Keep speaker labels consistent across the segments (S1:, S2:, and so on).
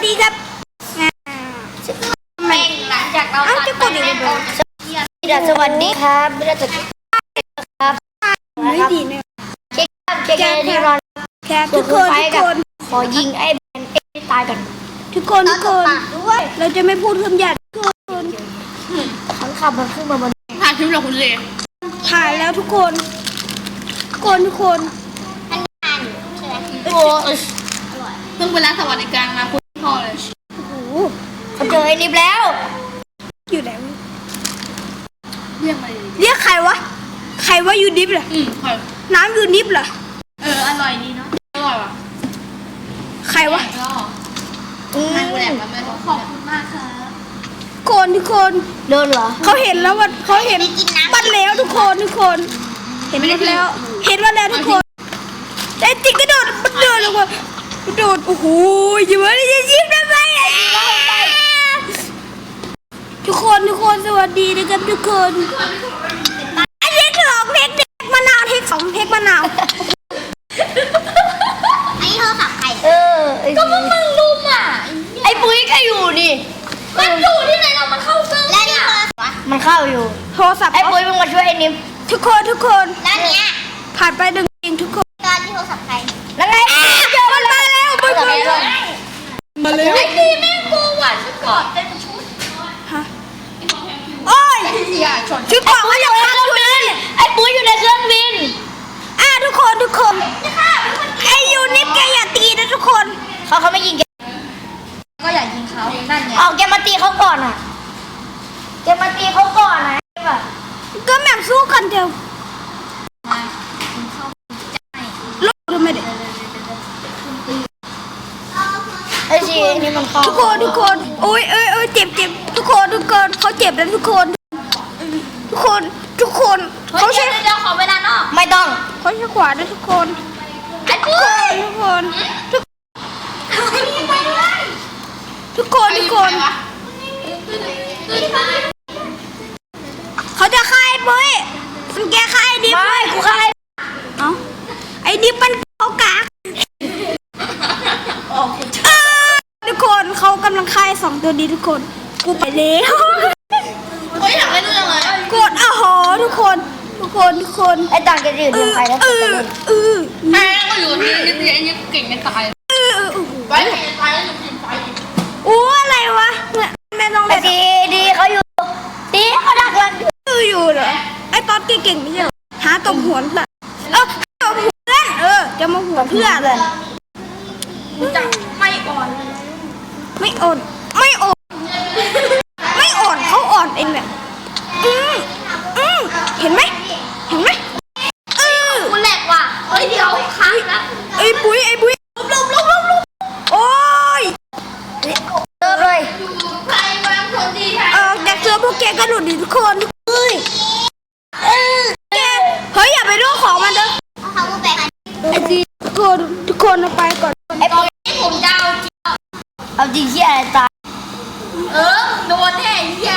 S1: ดีครับ
S2: แม่งหลังจากเราตัดไปแล้วสวัสดีครับไม่ได้จะครับ
S1: ไม่ดีเนี่ย
S2: เช็คที่รอน
S1: แคปทุกคน
S2: ขอยิงไอ้แบนเอ้ตายก่อน
S1: ทุกคนเราจะไม่พูดคำหยาบทุกคน
S2: มันขับมันขึ้นมาบนถ่ายคลิปเหรอคุณเล
S1: ถ่ายแล้วทุกคน
S2: โอ้เพิ่งไปร้านสวัสดิการมาคุณพ่อเลย
S1: โอ้โห
S2: เขาเจอไอ้นิบแล้ว
S1: อยู่ไหน
S2: เรียกมา
S1: เรียกใครวะอยู่ดิฟเหรอน้ำอยู่ดิฟเหรอ
S2: อร่อยดีเนาะอร่อยว่ะ
S1: ใครวะ
S2: ไม่กูแหลกแล้วแม่ขอบคุณมากค่ะ
S1: ทุกคน
S2: โดนเหรอ
S1: เขาเห็นแล้วว่าเขาเห็นบัดแล้วทุกคนเห็นบัดแล้วทุกคนแต่จริงก็โดดมันเดินลงมาโดดโอ้โหยิ้มอะไรยิ้มทำไมทุกคนสวัสดีนะครับทุกคนไอ้เทคสองเทคมะนาวเทคสองเทคมะนาว
S2: ไอ้โทรศัพท์ใครก็มึงลุมอ่ะไอ้ปุ้ยก็อยู่ดิมันอยู่ที่ไหนเรามันเข้าเซิร์ฟแล้วนี่มันเข้าอยู่
S1: โทรศัพท์
S2: ไอ้ปุ้ยมึงมาช่วยไอ้นิม
S1: ทุกคน
S2: แล้วเนี้ย
S1: ผ่านไป1 จริงทุกคน
S2: ตอนที่โทรศัพท์ใครแล้วไง
S1: มันมาแล้ว
S2: ไอ้ดีแม่งกูหวานชุดกอดเต็มชุด
S1: ฮะโอ้ยชุดเกาะ
S2: ก็อยู่ในเครื่องบินไอ้ปุ้ยอยู่ในเครื่องบิน
S1: ทุกคนไอ้ยูนิฟแกอย่าตีนะทุกคน
S2: เขาไม่ยิงแกก็อย่ายิงเขานั่นไงแกมาตีเขาก่อนอ่ะแกมาตีเขาก่อนนะ
S1: ก็แม่งสู้กันเดียวลบดูไม่ได้
S2: ไอ้ชีนี่มันเข้า
S1: ทุกคนโอ้ยเจ็บทุกคนเขาเจ็บแล้วทุกคนเขาใช้
S2: เดี๋ยวขอเวลานอกไม่ต้อง
S1: เขาใช้ขวานะทุกคนทุกคนเขาจะฆ่าไอ้ปุ้ยมันแกฆ่าไอ้ดิบ
S2: ไม่กูฆ่า
S1: ไอ้ดิบมันเขากากทุกคนเขากำลังฆ่า2 ตัวดีทุกคนกูไปแล้ว
S2: อยากเล่นเรื่องอะไร
S1: กดทุกคน
S2: ไอ้ต่างกันอยู่เดียวใครแล้ว
S1: แม่
S2: ก็อยู่นี่เก่งกันตายไปตายแล้วอยู่ทีมไฟ
S1: อะไรวะแม่ต้องเล่น
S2: ดีเขาอยู่ดีเขาดักหลัง
S1: อยู่เหรอไอ้ตอนเก่งไม่ใช่เหรอหาตบหัวเพื่อนตบหัวเพื่อนจะมาหัวเพื่อนเลย
S2: จะไม่อ่อน
S1: เขาอ่อนเองเนี่ยเห็นไหม
S2: กูแหลกว่ะเดี๋ยวค้างนะ
S1: ไอ้ปุ้ยลบโอ้ย
S2: เลยใครวางคนดีแท้
S1: จากเสือพวกแกกระโดดดิทุกคนเฮ้ยอย่าไปดูของมันเด้อ
S2: เขาไป
S1: ไอ้ดีทุกคนเอาไปก่อน
S2: ไอ้ปุ้ยผมจะเอาจริงที่อะไรตายโดนแน่เหี้ย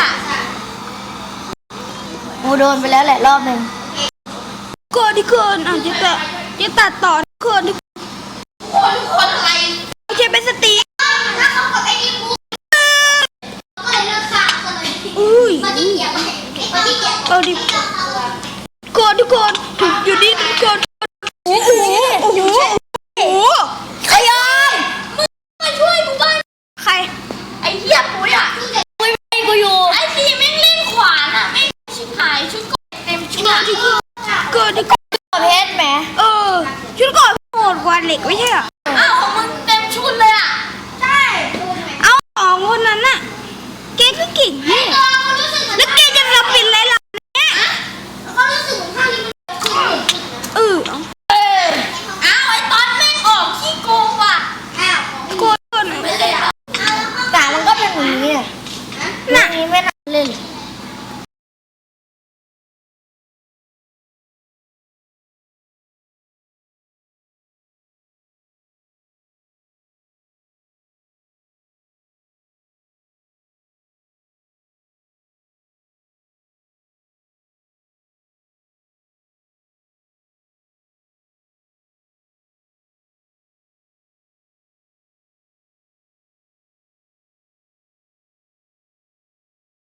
S2: กูโดนไปแล้วแหละรอบนึง
S1: ทุกคนจะตัดต่อทุกคน
S2: อะไร
S1: ไม่ใช่เป็นสติ
S2: แล้วเขาก็ไปยิงกูก็เลยเลิกฆ่าคนเลยมาที่เกียร์
S1: ดิทุกคนอยู่ดีทุกคนโอ้โห
S2: ขยมมึงมาช่วยกูบ้าง
S1: ใคร
S2: ไอ้เหี้ยปุ้ยปุ้ยไม่กูอยู่ไอ้ทีแม่งเล่นขวานไม่ชิบหายชุดกอดเต็มชุด
S1: ทุกคน
S2: เพชรไหม
S1: ชุดก่อนโหดกว่าเหล็กไม่ใช่เหรอ
S2: ของมึงเต็มชุดเลยอ่ะใช่
S1: 2 คนนั้นน่ะเก่งนี่
S2: ไอ้ตัวรู้สึ